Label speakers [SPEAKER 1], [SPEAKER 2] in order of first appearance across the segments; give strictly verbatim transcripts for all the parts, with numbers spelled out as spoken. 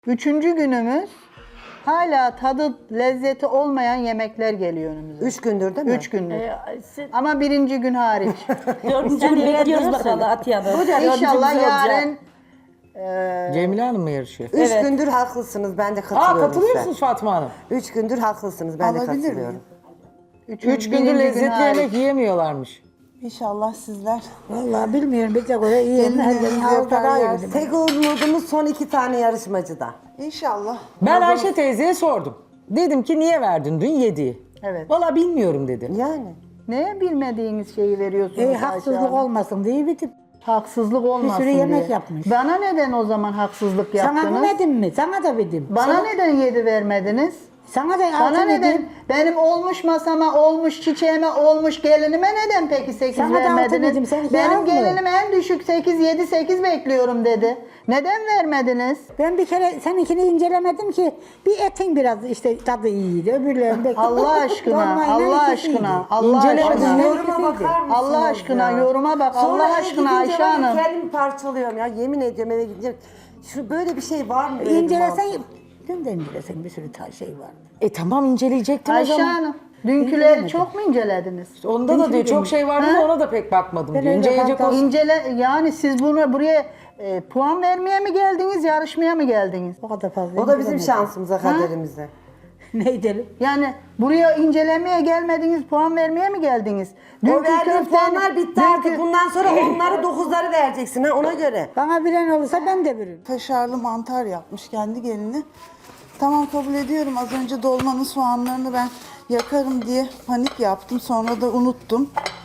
[SPEAKER 1] Üçüncü günümüz hala tadı lezzeti olmayan yemekler geliyor önümüze.
[SPEAKER 2] Üç gündür değil mi?
[SPEAKER 1] Üç gündür.
[SPEAKER 3] Ee, siz-
[SPEAKER 1] Ama birinci gün hariç.
[SPEAKER 3] Dördüncü gün bekliyoruz bakalım Atiye Hanım.
[SPEAKER 1] İnşallah
[SPEAKER 3] Dördüncümüz olacak.
[SPEAKER 1] yarın
[SPEAKER 4] Cemile Hanım mı yarışıyor?
[SPEAKER 2] Üç
[SPEAKER 3] Evet.
[SPEAKER 2] gündür haklısınız. Ben de
[SPEAKER 4] Aa
[SPEAKER 2] katılıyorum
[SPEAKER 4] katılıyor
[SPEAKER 2] size.
[SPEAKER 4] musunuz Fatma Hanım?
[SPEAKER 2] Üç gündür haklısınız. Ben de
[SPEAKER 5] Alabilir
[SPEAKER 2] katılıyorum.
[SPEAKER 5] miyim?
[SPEAKER 1] üçüncü,
[SPEAKER 4] Üç gündür
[SPEAKER 1] birinci gün
[SPEAKER 4] lezzetli
[SPEAKER 1] hariç.
[SPEAKER 4] yemek yiyemiyorlarmış.
[SPEAKER 5] İnşallah sizler.
[SPEAKER 6] Vallahi bilmiyorum bize göre iyi yemin
[SPEAKER 5] Kendinizi
[SPEAKER 6] ederim havuzda
[SPEAKER 5] yapar
[SPEAKER 6] daha iyi
[SPEAKER 5] yersiniz.
[SPEAKER 6] bildim.
[SPEAKER 2] Tek umudumuz son iki tane yarışmacıda.
[SPEAKER 5] İnşallah.
[SPEAKER 4] Ben Ayşe teyzeye sordum. Dedim ki niye verdin dün yediği?
[SPEAKER 1] Evet.
[SPEAKER 4] Valla bilmiyorum dedi.
[SPEAKER 2] Yani.
[SPEAKER 1] Neye bilmediğiniz şeyi veriyorsunuz
[SPEAKER 6] İyi
[SPEAKER 1] Ayşe
[SPEAKER 6] haksızlık
[SPEAKER 1] Hanım?
[SPEAKER 6] olmasın diye bitip.
[SPEAKER 1] Haksızlık olmasın
[SPEAKER 6] Bir sürü yemek
[SPEAKER 1] diye.
[SPEAKER 6] yapmış.
[SPEAKER 1] Bana neden o zaman haksızlık yaptınız?
[SPEAKER 6] Sana vermedim mi? Sana da verdim.
[SPEAKER 1] Bana
[SPEAKER 6] Sana,
[SPEAKER 1] neden yedi vermediniz?
[SPEAKER 6] sana da
[SPEAKER 1] Bana
[SPEAKER 6] altı
[SPEAKER 1] neden?
[SPEAKER 6] verdim.
[SPEAKER 1] Benim olmuş masama, olmuş çiçeğime, olmuş gelinime neden peki sekiz
[SPEAKER 6] Sana da altı
[SPEAKER 1] vermediniz?
[SPEAKER 6] dedim, seninki
[SPEAKER 1] Benim
[SPEAKER 6] az mı?
[SPEAKER 1] gelinim en düşük sekiz, yedi, sekiz bekliyorum dedi. Neden vermediniz?
[SPEAKER 6] Ben bir kere seninkini incelemedim ki bir etin biraz işte tadı iyiydi. Öbürlerinde
[SPEAKER 1] Allah aşkına,
[SPEAKER 6] dolmayla
[SPEAKER 1] Allah
[SPEAKER 6] ikisi iyiydi.
[SPEAKER 1] aşkına, Allah
[SPEAKER 4] İncelemedim.
[SPEAKER 1] aşkına.
[SPEAKER 2] Yoruma bakar mısınız
[SPEAKER 1] Allah aşkına
[SPEAKER 2] ya?
[SPEAKER 1] yoruma bak.
[SPEAKER 2] Sonra
[SPEAKER 1] Allah
[SPEAKER 2] eve
[SPEAKER 1] aşkına
[SPEAKER 2] gidince
[SPEAKER 1] Ayşe
[SPEAKER 2] var ya,
[SPEAKER 1] Hanım.
[SPEAKER 2] Kendimi parçalıyorum ya. Yemin ediyorum eve gidince. Şu böyle bir şey var mı? böyle bir
[SPEAKER 6] İncelesen,
[SPEAKER 2] mantık?
[SPEAKER 6] dün de incelesen bir sürü ta şey vardı.
[SPEAKER 4] E tamam inceleyecektim o
[SPEAKER 1] Ayşe
[SPEAKER 4] zaman.
[SPEAKER 1] Hanım, dünküleri çok mu incelediniz?
[SPEAKER 4] Onda da diyor çok şey vardı da ona da pek bakmadım
[SPEAKER 6] Ben
[SPEAKER 4] diyor.
[SPEAKER 6] öyle
[SPEAKER 4] İnceleyecek
[SPEAKER 6] fantezi-
[SPEAKER 4] olsun.
[SPEAKER 1] İncele, yani siz bunu buraya e, puan vermeye mi geldiniz, yarışmaya mı geldiniz?
[SPEAKER 6] O kadar fazla
[SPEAKER 2] O da bizim
[SPEAKER 6] incelemedim.
[SPEAKER 2] şansımıza, kaderimize.
[SPEAKER 6] Ne edelim?
[SPEAKER 1] Yani buraya incelemeye gelmediniz, puan vermeye mi geldiniz?
[SPEAKER 2] O verdiğin
[SPEAKER 1] köftenin-
[SPEAKER 2] puanlar bitti artık.
[SPEAKER 1] dünkü-
[SPEAKER 2] Bundan sonra onları dokuzları vereceksin ha ona göre.
[SPEAKER 6] Bana bilen olursa ben de veririm.
[SPEAKER 5] Kaşarlı mantar yapmış kendi gelini. Tamam kabul ediyorum. Az önce dolmanın soğanlarını ben yakarım diye panik yaptım. Sonra da unuttum.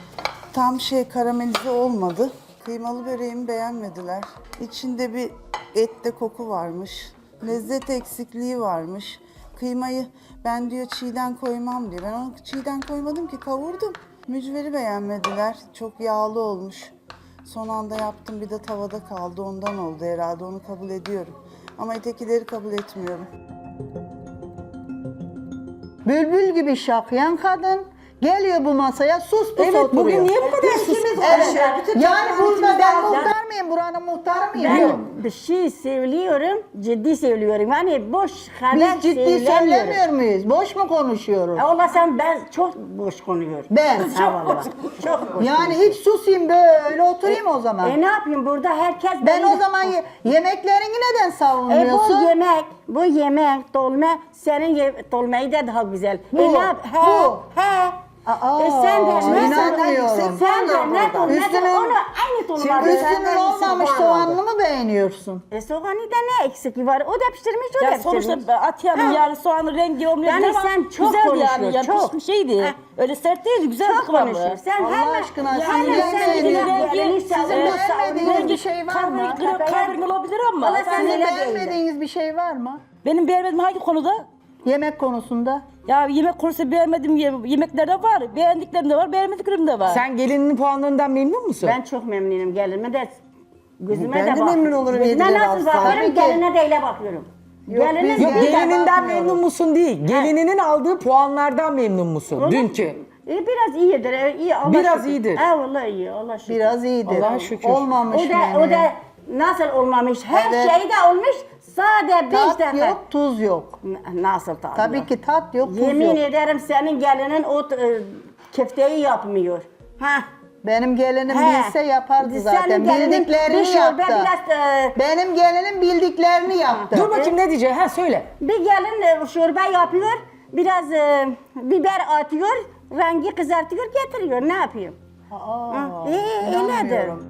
[SPEAKER 5] Tam şey karamelize olmadı. Kıymalı böreğimi beğenmediler. İçinde bir ette koku varmış. Lezzet eksikliği varmış. Kıymayı ben diyor çiğden koymam diyor. Ben onu çiğden koymadım ki kavurdum. Mücveri beğenmediler. Çok yağlı olmuş. Son anda yaptım bir de tavada kaldı ondan oldu herhalde onu kabul ediyorum. Ama ötekileri kabul etmiyorum.
[SPEAKER 1] Bülbül gibi şaklayan kadın geliyor bu masaya sus pus
[SPEAKER 4] Evet
[SPEAKER 1] oturuyor.
[SPEAKER 4] bugün niye bu kadar sus?
[SPEAKER 1] Evet. Yani burada ben muhtar mıyım? Buranın muhtarı mıyım? Yok.
[SPEAKER 3] Ben bir şey söylüyorum, ciddi söylüyorum. Yani boş haber
[SPEAKER 1] Biz ciddi
[SPEAKER 3] söylemiyorum.
[SPEAKER 1] söylemiyor muyuz? Boş mu konuşuyoruz?
[SPEAKER 3] E, Ola sen ben çok boş konuşuyorum.
[SPEAKER 1] Ben.
[SPEAKER 3] Ha vallahi. Çok boş.
[SPEAKER 1] Yani hiç susayım böyle oturayım o zaman.
[SPEAKER 3] E ne yapayım burada herkes...
[SPEAKER 1] Ben
[SPEAKER 3] beni-
[SPEAKER 1] o zaman ye- yemeklerini neden
[SPEAKER 3] E bu
[SPEAKER 1] savunmuyorsun?
[SPEAKER 3] yemek, bu yemek, dolma, senin ye dolmayı da daha güzel.
[SPEAKER 1] Bu,
[SPEAKER 3] E ne yap? He,
[SPEAKER 1] bu.
[SPEAKER 3] he.
[SPEAKER 1] Aa,
[SPEAKER 3] e sen de ne
[SPEAKER 1] inanmıyorum.
[SPEAKER 3] Sen de ne
[SPEAKER 2] burada.
[SPEAKER 3] ne de
[SPEAKER 1] Üstünün-
[SPEAKER 3] onu aynı dolma.
[SPEAKER 2] Çünkü
[SPEAKER 1] Üstünün
[SPEAKER 2] senden
[SPEAKER 1] olmamış
[SPEAKER 2] iyisi
[SPEAKER 1] soğanlı
[SPEAKER 2] puan
[SPEAKER 1] mı beğeniyorsun?
[SPEAKER 3] E soğanı da ne eksik var? O da pişirmiş, o da
[SPEAKER 7] Ya
[SPEAKER 3] pişirmiş.
[SPEAKER 7] sonuçta Atiye Hanım
[SPEAKER 3] Ha.
[SPEAKER 7] yani soğanın rengi olmuyor
[SPEAKER 3] Yani
[SPEAKER 7] ama
[SPEAKER 3] sen çok
[SPEAKER 7] güzeldi yani,
[SPEAKER 3] konuşuyorsun,
[SPEAKER 7] yani
[SPEAKER 3] çok.
[SPEAKER 7] pişmiş şeydi.
[SPEAKER 3] Ha.
[SPEAKER 7] Öyle sert değildi, güzel
[SPEAKER 3] Çok
[SPEAKER 7] kıvamlı.
[SPEAKER 3] konuşuyor. Sen
[SPEAKER 1] Allah
[SPEAKER 3] hemen,
[SPEAKER 1] aşkına,
[SPEAKER 3] hemen
[SPEAKER 1] sizin
[SPEAKER 3] sen
[SPEAKER 1] beğenmediğiniz-
[SPEAKER 3] gelini
[SPEAKER 1] sizin
[SPEAKER 3] savun.
[SPEAKER 1] beğenmediğiniz bir şey var mı?
[SPEAKER 7] Kahverengi olabilir ama.
[SPEAKER 3] Valla sen
[SPEAKER 1] Sizin
[SPEAKER 3] öyle değildin.
[SPEAKER 1] beğenmediğiniz bir şey var mı?
[SPEAKER 7] Benim beğenmediğim hangi konuda?
[SPEAKER 1] Yemek konusunda.
[SPEAKER 7] Ya yemek konusu beğenmediğim ye- yemekler de var. Beğendiklerim de var, beğenmediklerim de var.
[SPEAKER 4] Sen gelininin puanlarından memnun musun?
[SPEAKER 3] Ben çok memnunum gelinime de gözüme
[SPEAKER 2] Ben
[SPEAKER 3] de
[SPEAKER 2] de
[SPEAKER 3] bak.
[SPEAKER 2] memnun olurum
[SPEAKER 3] Gözüme
[SPEAKER 2] yediler
[SPEAKER 3] nasıl
[SPEAKER 2] alsam.
[SPEAKER 3] bakıyorum,
[SPEAKER 1] Tabii ki.
[SPEAKER 3] geline de öyle bakıyorum.
[SPEAKER 1] Yok,
[SPEAKER 3] Geline
[SPEAKER 1] biz
[SPEAKER 4] Yok
[SPEAKER 1] Biz de
[SPEAKER 4] gelininden
[SPEAKER 1] bakmıyoruz.
[SPEAKER 4] memnun musun değil. Gelininin aldığı puanlardan memnun musun? Dünkü.
[SPEAKER 3] E, biraz iyidir, e, iyi Allah
[SPEAKER 4] Biraz
[SPEAKER 3] şükür.
[SPEAKER 4] iyidir.
[SPEAKER 3] Ha vallahi iyi, Allah şükür.
[SPEAKER 1] Biraz iyidir.
[SPEAKER 4] Allah'a şükür.
[SPEAKER 1] Olmamış
[SPEAKER 3] O da,
[SPEAKER 1] menü.
[SPEAKER 3] o da nasıl olmamış, her
[SPEAKER 1] Evet.
[SPEAKER 3] şey de olmuş, sade beş
[SPEAKER 1] Tat
[SPEAKER 3] defa.
[SPEAKER 1] yok, tuz yok.
[SPEAKER 3] N- Nasıl tadı
[SPEAKER 1] Tabii
[SPEAKER 3] yok?
[SPEAKER 1] ki tat yok, tuz
[SPEAKER 3] Yemin
[SPEAKER 1] yok.
[SPEAKER 3] ederim senin gelinin o e, köfteyi yapmıyor. Ha.
[SPEAKER 1] Benim gelinim
[SPEAKER 3] He.
[SPEAKER 1] bilse yapardı
[SPEAKER 3] Senin
[SPEAKER 1] zaten.
[SPEAKER 3] gelinin
[SPEAKER 1] Bildiklerini
[SPEAKER 3] bir şorbe,
[SPEAKER 1] yaptı.
[SPEAKER 3] biraz, e,
[SPEAKER 1] Benim gelinim bildiklerini yaptı.
[SPEAKER 4] Dur bakayım ne diyecek? Ha söyle.
[SPEAKER 3] Bir gelin e, şorbe yapıyor, biraz e, biber atıyor, rengi kızartıyor, getiriyor. Ne yapayım?
[SPEAKER 1] Aa,
[SPEAKER 3] E, öyledir.
[SPEAKER 1] inanmıyorum.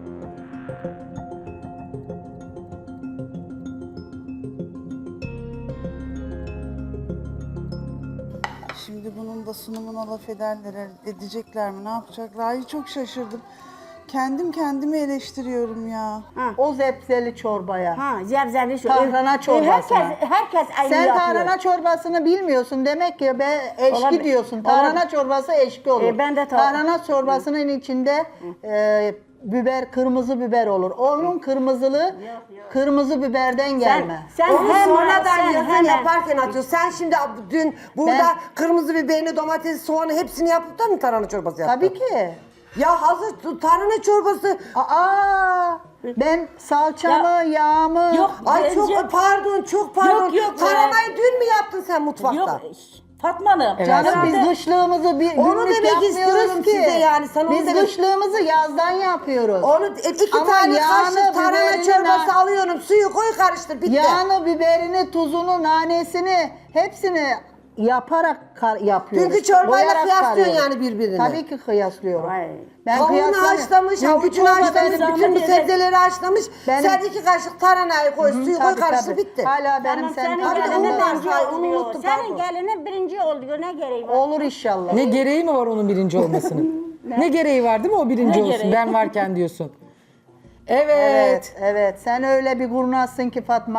[SPEAKER 5] Şimdi bunun da sunumuna laf ederler, edecekler mi, ne yapacaklar? Ay çok şaşırdım. Kendim kendimi eleştiriyorum ya.
[SPEAKER 1] O zepseli çorbaya.
[SPEAKER 3] Ha, zevzeli şu.
[SPEAKER 1] Tahrana
[SPEAKER 3] e,
[SPEAKER 1] çorbasına.
[SPEAKER 3] Herkes, herkes aynı
[SPEAKER 1] Sen
[SPEAKER 3] yapıyor.
[SPEAKER 1] tarhana çorbasını bilmiyorsun. Demek ki be eşki
[SPEAKER 3] Olabilir.
[SPEAKER 1] diyorsun. Tarhana
[SPEAKER 3] Olabilir.
[SPEAKER 1] çorbası eşki olur.
[SPEAKER 3] E, ben de ta-
[SPEAKER 1] Tarhana çorbasının içinde e, biber, kırmızı biber olur. Onun kırmızılı kırmızı biberden gelme.
[SPEAKER 3] Sen
[SPEAKER 2] Onu
[SPEAKER 3] hemen,
[SPEAKER 2] sonradan
[SPEAKER 3] sen
[SPEAKER 2] yazın
[SPEAKER 3] hemen.
[SPEAKER 2] yaparken atıyorsun. Sen şimdi dün burada
[SPEAKER 1] Ben-
[SPEAKER 2] kırmızı biberini, domatesi, soğanı hepsini yapıp da mı tarhana çorbası yaptın?
[SPEAKER 1] Tabii ki.
[SPEAKER 2] Ya hazır tarhana çorbası
[SPEAKER 1] Aa, Ben salçamı, yağmı...
[SPEAKER 7] Yok.
[SPEAKER 2] Ay
[SPEAKER 7] bence-
[SPEAKER 2] çok pardon, çok pardon.
[SPEAKER 7] Yok, yok,
[SPEAKER 2] Karamayı dün mü yaptın sen mutfakta?
[SPEAKER 7] Yok Fatma Hanım.
[SPEAKER 4] Evet.
[SPEAKER 1] Canım
[SPEAKER 7] herhalde-
[SPEAKER 1] biz kışlığımızı bir
[SPEAKER 2] Onu
[SPEAKER 1] günlük
[SPEAKER 2] demek
[SPEAKER 1] yapmıyoruz
[SPEAKER 2] istiyorum
[SPEAKER 1] ki.
[SPEAKER 2] size yani, sana onu
[SPEAKER 1] Biz
[SPEAKER 2] demek-
[SPEAKER 1] kışlığımızı yazdan yapıyoruz.
[SPEAKER 2] Onu e, iki
[SPEAKER 1] Ama
[SPEAKER 2] tane
[SPEAKER 1] yağını,
[SPEAKER 2] kaşık tarhana
[SPEAKER 1] biberini,
[SPEAKER 2] çorbası
[SPEAKER 1] na-
[SPEAKER 2] alıyorum. Suyu koy karıştır bitti.
[SPEAKER 1] Yağını, biberini, tuzunu, nanesini hepsini yaparak kar- yapıyoruz.
[SPEAKER 2] Dünkü çorbayla
[SPEAKER 1] Boyarak
[SPEAKER 2] kıyaslıyorsun
[SPEAKER 1] karıyoruz.
[SPEAKER 2] yani birbirini.
[SPEAKER 1] Tabii ki kıyaslıyorum.
[SPEAKER 3] Ay.
[SPEAKER 1] Ben
[SPEAKER 2] Tavuğunu
[SPEAKER 1] kıyaslamıyorum.
[SPEAKER 2] haşlamış,
[SPEAKER 1] Dünkü
[SPEAKER 2] havucunu
[SPEAKER 1] çorba
[SPEAKER 2] haşlamış,
[SPEAKER 1] benim-
[SPEAKER 2] bütün bu sebzeleri haşlamış.
[SPEAKER 1] Benim-
[SPEAKER 2] Sen iki kaşık tarhanayı koy, suyu koy
[SPEAKER 1] Tabii,
[SPEAKER 2] karıştır
[SPEAKER 1] tabii.
[SPEAKER 2] bitti.
[SPEAKER 1] Hala benim
[SPEAKER 3] Tamam,
[SPEAKER 1] senin
[SPEAKER 3] senin
[SPEAKER 2] Abi de
[SPEAKER 3] gelinin
[SPEAKER 2] onu var,
[SPEAKER 3] birinci
[SPEAKER 2] hay, onu
[SPEAKER 3] oluyor.
[SPEAKER 2] unuttum,
[SPEAKER 3] Senin
[SPEAKER 2] pardon.
[SPEAKER 3] gelinin birinci oluyor. Ne gereği var?
[SPEAKER 1] Olur inşallah.
[SPEAKER 4] Ne gereği mi var onun birinci olmasının? ne gereği var değil mi o birinci
[SPEAKER 7] Ne
[SPEAKER 4] olsun
[SPEAKER 7] gereği?
[SPEAKER 4] ben varken diyorsun. Evet.
[SPEAKER 1] Evet, evet. Sen öyle bir kurnazsın ki Fatma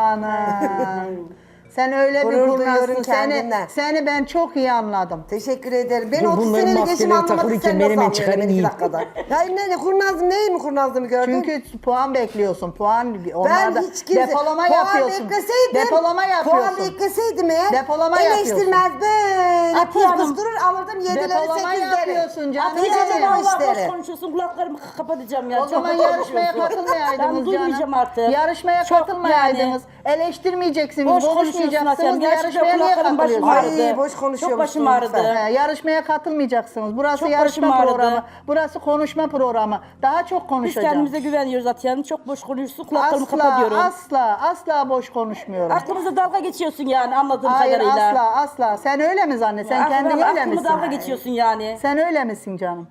[SPEAKER 1] Hanım. Sen öyle bir
[SPEAKER 2] Gurur
[SPEAKER 1] kurnazsın.
[SPEAKER 2] duyuyorum
[SPEAKER 1] Seni,
[SPEAKER 2] kendimden.
[SPEAKER 1] seni ben çok iyi anladım.
[SPEAKER 2] Teşekkür ederim. Ben
[SPEAKER 4] Dur,
[SPEAKER 2] otuz
[SPEAKER 4] bunların
[SPEAKER 2] senelik eşim
[SPEAKER 4] maskeleri
[SPEAKER 2] anlamadı,
[SPEAKER 4] takılıyken
[SPEAKER 2] sen
[SPEAKER 4] ben
[SPEAKER 2] nasıl
[SPEAKER 4] hemen
[SPEAKER 2] anlıyorsun
[SPEAKER 4] çıkarayım,
[SPEAKER 2] iki
[SPEAKER 4] yiyeyim.
[SPEAKER 2] dakikada? Ya ne, ne kurnazlığım, neyi mi kurnazlığımı gördün?
[SPEAKER 1] Çünkü puan bekliyorsun. Puan onlarda
[SPEAKER 2] ben hiç kimse...
[SPEAKER 1] depolama
[SPEAKER 2] puan
[SPEAKER 1] yapıyorsun.
[SPEAKER 2] bekleseydim,
[SPEAKER 1] Depolama yapıyorsun.
[SPEAKER 2] Puan bekleseydim eğer,
[SPEAKER 1] Depolama
[SPEAKER 2] eleştirmez böyle
[SPEAKER 7] Atiye
[SPEAKER 2] pus
[SPEAKER 7] Hanım.
[SPEAKER 2] pus durur alırdım yedileri
[SPEAKER 1] Depolama
[SPEAKER 2] sekizleri.
[SPEAKER 1] yapıyorsun canım.
[SPEAKER 2] Atiye
[SPEAKER 1] Benim
[SPEAKER 2] Hanım
[SPEAKER 7] Allah
[SPEAKER 2] işleri.
[SPEAKER 7] boş konuşuyorsun. Kulaklarımı kapatacağım ya.
[SPEAKER 1] O
[SPEAKER 7] Çok
[SPEAKER 1] zaman
[SPEAKER 7] boş
[SPEAKER 1] yarışmaya
[SPEAKER 7] konuşuyorsun.
[SPEAKER 1] katılmayaydınız
[SPEAKER 7] Ben duymayacağım
[SPEAKER 1] canım.
[SPEAKER 7] artık.
[SPEAKER 1] Yarışmaya
[SPEAKER 7] Çok
[SPEAKER 1] katılmayaydınız. Eleştirmeyeceksiniz,
[SPEAKER 7] Boş konuşuyorsun
[SPEAKER 1] konuşmayacaksınız.
[SPEAKER 7] Aslan. Gerçekten
[SPEAKER 1] Yarışmaya niye
[SPEAKER 7] kulaklarım başım
[SPEAKER 1] katılıyorsunuz?
[SPEAKER 2] Ay,
[SPEAKER 7] ağrıdı.
[SPEAKER 2] boş konuşuyormuşsun
[SPEAKER 7] Çok başım
[SPEAKER 2] lütfen.
[SPEAKER 7] ağrıdı.
[SPEAKER 1] Ee, yarışmaya katılmayacaksınız. Burası
[SPEAKER 7] Çok
[SPEAKER 1] yarışma
[SPEAKER 7] başım ağrıdı.
[SPEAKER 1] programı. Burası konuşma programı. Daha çok
[SPEAKER 7] Biz
[SPEAKER 1] konuşacağım.
[SPEAKER 7] kendimize güveniyoruz Atiye Hanım. Çok boş konuşuyorsun. Kulaklarımı
[SPEAKER 1] Asla,
[SPEAKER 7] kapatıyorum.
[SPEAKER 1] asla, asla boş konuşmuyorum.
[SPEAKER 7] Aklımıza dalga geçiyorsun yani anladığım
[SPEAKER 1] Hayır,
[SPEAKER 7] kadarıyla.
[SPEAKER 1] asla, asla. Sen öyle mi zannet? Sen
[SPEAKER 7] Aklımı-
[SPEAKER 1] kendin öyle
[SPEAKER 7] aklımı
[SPEAKER 1] misin?
[SPEAKER 7] dalga geçiyorsun yani.
[SPEAKER 1] Sen öyle misin canım?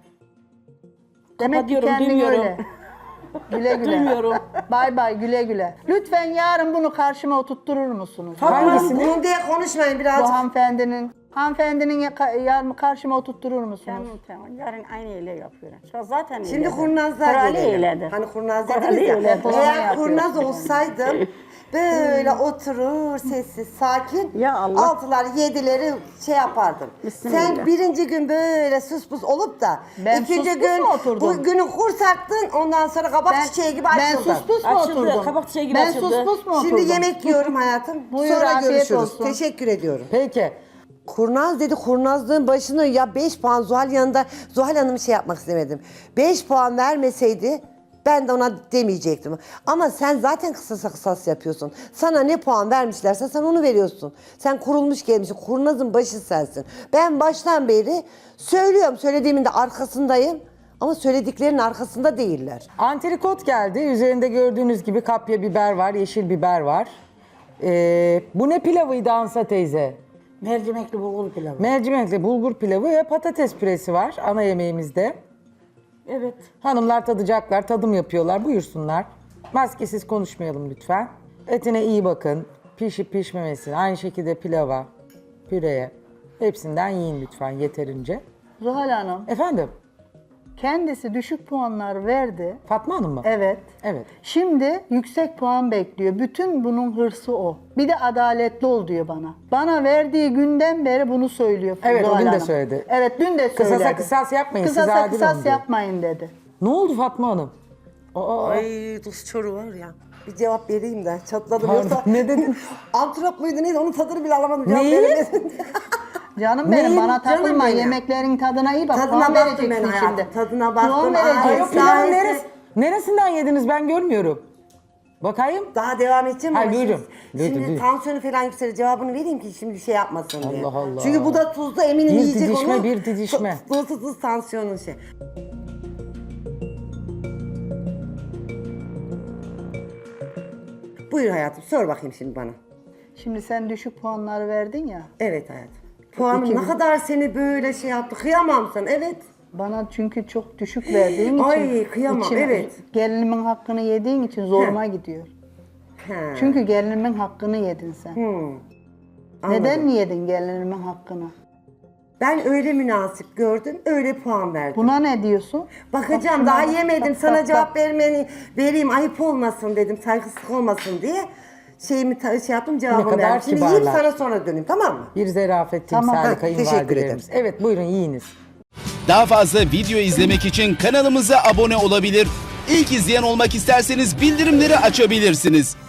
[SPEAKER 1] Demek ki
[SPEAKER 7] Kapatıyorum,
[SPEAKER 1] kendin
[SPEAKER 7] duymuyorum.
[SPEAKER 1] öyle. Güle güle.
[SPEAKER 7] Duymuyorum.
[SPEAKER 1] Bay bay, güle güle. Lütfen yarın bunu karşıma oturtturur musunuz?
[SPEAKER 4] Hangisini?
[SPEAKER 2] Bunun diye konuşmayın
[SPEAKER 1] Bu
[SPEAKER 2] birazcık.
[SPEAKER 1] hanımefendinin, hanımefendinin ya- yarın karşıma oturtturur musunuz?
[SPEAKER 3] Tamam tamam. Yarın aynı öyle yapıyorum. Şu zaten
[SPEAKER 2] Şimdi
[SPEAKER 3] öyledir.
[SPEAKER 2] kurnazlar
[SPEAKER 3] Kuralı
[SPEAKER 2] gelelim.
[SPEAKER 3] öyledir.
[SPEAKER 2] Hani kurnaz
[SPEAKER 3] Kuralı
[SPEAKER 2] dediniz ya.
[SPEAKER 3] öyledir.
[SPEAKER 1] Depolama
[SPEAKER 2] Eğer
[SPEAKER 1] yapıyorsun.
[SPEAKER 2] kurnaz olsaydım böyle oturur sessiz sakin
[SPEAKER 3] Ya Allah.
[SPEAKER 2] altılar yedileri şey yapardım.
[SPEAKER 3] Bismillah.
[SPEAKER 2] Sen birinci gün böyle sus pus olup da
[SPEAKER 1] Ben
[SPEAKER 2] ikinci
[SPEAKER 1] sus pus
[SPEAKER 2] gün
[SPEAKER 1] mu oturdum?
[SPEAKER 2] bu günü kursattın ondan sonra kabak çiçeği gibi
[SPEAKER 1] ben
[SPEAKER 2] açıldın.
[SPEAKER 1] sus pus mu
[SPEAKER 7] Açıldı,
[SPEAKER 1] oturdum?
[SPEAKER 7] kabak çiçeği gibi
[SPEAKER 1] ben
[SPEAKER 7] açıldı.
[SPEAKER 1] sus pus mu oturdum?
[SPEAKER 2] Şimdi yemek yiyorum hayatım.
[SPEAKER 1] Buyur,
[SPEAKER 2] sonra
[SPEAKER 1] afiyet
[SPEAKER 2] görüşürüz.
[SPEAKER 1] olsun.
[SPEAKER 2] Teşekkür ediyorum.
[SPEAKER 4] Peki.
[SPEAKER 2] Kurnaz dedi, kurnazlığın başını ya beş puan Zuhal yanında, Zuhal Hanım'ı şey yapmak istemedim. beş puan vermeseydi ben de ona demeyecektim. Ama sen zaten kısasa kısas yapıyorsun. Sana ne puan vermişlerse sen onu veriyorsun. Sen kurulmuş gelmişsin, kurnazın başı sensin. Ben baştan beri söylüyorum, söylediğimin de arkasındayım. Ama söylediklerinin arkasında değiller.
[SPEAKER 4] Antrikot geldi. Üzerinde gördüğünüz gibi kapya biber var, yeşil biber var. Ee, bu ne pilavıydı Ansa teyze?
[SPEAKER 6] Mercimekli bulgur pilavı.
[SPEAKER 4] Mercimekli bulgur pilavı ve patates püresi var ana yemeğimizde.
[SPEAKER 7] Evet.
[SPEAKER 4] Hanımlar tadacaklar, tadım yapıyorlar. Buyursunlar. Maskesiz konuşmayalım lütfen. Etine iyi bakın. Pişip pişmemesine, aynı şekilde pilava, püreye. Hepsinden yiyin lütfen yeterince.
[SPEAKER 1] Zuhal Hanım,
[SPEAKER 4] Efendim,
[SPEAKER 1] kendisi düşük puanlar verdi.
[SPEAKER 4] Fatma Hanım mı?
[SPEAKER 1] Evet.
[SPEAKER 4] Evet.
[SPEAKER 1] Şimdi yüksek puan bekliyor. Bütün bunun hırsı o. Bir de adaletli ol diyor bana. Bana verdiği günden beri bunu söylüyor.
[SPEAKER 4] Evet, o
[SPEAKER 1] Zuhal
[SPEAKER 4] gün de
[SPEAKER 1] Hanım.
[SPEAKER 4] söyledi.
[SPEAKER 1] Evet, dün de
[SPEAKER 4] Kısasa
[SPEAKER 1] söyledi.
[SPEAKER 4] kısas yapmayın, siz
[SPEAKER 1] Kısasa
[SPEAKER 4] adil
[SPEAKER 1] kısas
[SPEAKER 4] olun diyor.
[SPEAKER 1] yapmayın dedi.
[SPEAKER 4] Ne oldu Fatma Hanım? Aa,
[SPEAKER 2] Ay tuz çoru var ya. Bir cevap vereyim de çatladım
[SPEAKER 4] Pardon,
[SPEAKER 2] yoksa.
[SPEAKER 4] ne dedin?
[SPEAKER 2] Antrop muydu neydi onun tadını bile alamadım. Cevap
[SPEAKER 4] Neyi?
[SPEAKER 2] veremedim.
[SPEAKER 1] Canım benim,
[SPEAKER 4] Neyin?
[SPEAKER 1] bana
[SPEAKER 2] Canım
[SPEAKER 1] takılma.
[SPEAKER 2] benim.
[SPEAKER 1] Yemeklerin tadına iyi bak.
[SPEAKER 2] Tadına
[SPEAKER 1] puan
[SPEAKER 2] baktım ben
[SPEAKER 1] vereceksin
[SPEAKER 2] hayatım,
[SPEAKER 1] şimdi.
[SPEAKER 2] tadına baktım.
[SPEAKER 1] Puan
[SPEAKER 2] Ay,
[SPEAKER 4] Ay, o
[SPEAKER 1] vereceksin.
[SPEAKER 4] pilavın
[SPEAKER 2] Sahi-
[SPEAKER 4] neresi, neresinden yediniz ben görmüyorum. Bakayım.
[SPEAKER 2] Daha devam edeceğim
[SPEAKER 4] Hayır,
[SPEAKER 2] ama
[SPEAKER 4] buyurun.
[SPEAKER 2] şimdi,
[SPEAKER 4] Buyurun,
[SPEAKER 2] şimdi
[SPEAKER 4] buyurun.
[SPEAKER 2] tansiyonu falan yükselir. Cevabını vereyim ki şimdi şey yapmasın diye.
[SPEAKER 4] Allah Allah.
[SPEAKER 2] Çünkü bu da tuzlu eminim
[SPEAKER 4] Bir
[SPEAKER 2] yiyecek
[SPEAKER 4] didişme,
[SPEAKER 2] onu.
[SPEAKER 4] bir didişme.
[SPEAKER 2] Tu- Tuzlu tuz tansiyonun şey. Buyur hayatım sor bakayım şimdi bana.
[SPEAKER 1] Şimdi sen düşük puanları verdin ya.
[SPEAKER 2] Evet hayatım. Puanım
[SPEAKER 1] İki
[SPEAKER 2] ne
[SPEAKER 1] bin.
[SPEAKER 2] kadar seni böyle şey yaptı. Kıyamam sana. Evet.
[SPEAKER 1] Bana çünkü çok düşük verdiğin için.
[SPEAKER 2] Ay, kıyamam, evet.
[SPEAKER 1] Gelinimin hakkını yediğin için zoruma gidiyor.
[SPEAKER 2] He.
[SPEAKER 1] Çünkü gelinimin hakkını yedin sen.
[SPEAKER 2] Hmm.
[SPEAKER 1] Neden
[SPEAKER 2] Anladım.
[SPEAKER 1] yedin gelinimin hakkını?
[SPEAKER 2] Ben öyle münasip gördüm, öyle puan verdim.
[SPEAKER 1] Buna ne diyorsun?
[SPEAKER 2] Bakacağım,
[SPEAKER 1] Bak
[SPEAKER 2] daha
[SPEAKER 1] şuna bak,
[SPEAKER 2] yemedim.
[SPEAKER 1] bak,
[SPEAKER 2] Sana
[SPEAKER 1] bak,
[SPEAKER 2] cevap
[SPEAKER 1] bak.
[SPEAKER 2] vermeni vereyim, ayıp olmasın dedim, saygısızlık olmasın diye. Şeyimi ta- şey yaptım,
[SPEAKER 4] Ne
[SPEAKER 2] cevabımı
[SPEAKER 4] kadar
[SPEAKER 2] verdim. Şimdi yiyip
[SPEAKER 4] kibarlar.
[SPEAKER 2] sana sonra döneyim, tamam mı?
[SPEAKER 4] Bir zerafet
[SPEAKER 1] Tamam.
[SPEAKER 4] timsali
[SPEAKER 2] Ha, teşekkür
[SPEAKER 4] kayınvalidelerimiz. Evet buyurun yiyiniz.
[SPEAKER 8] Daha fazla video izlemek için kanalımıza abone olabilir. İlk izleyen olmak isterseniz bildirimleri açabilirsiniz.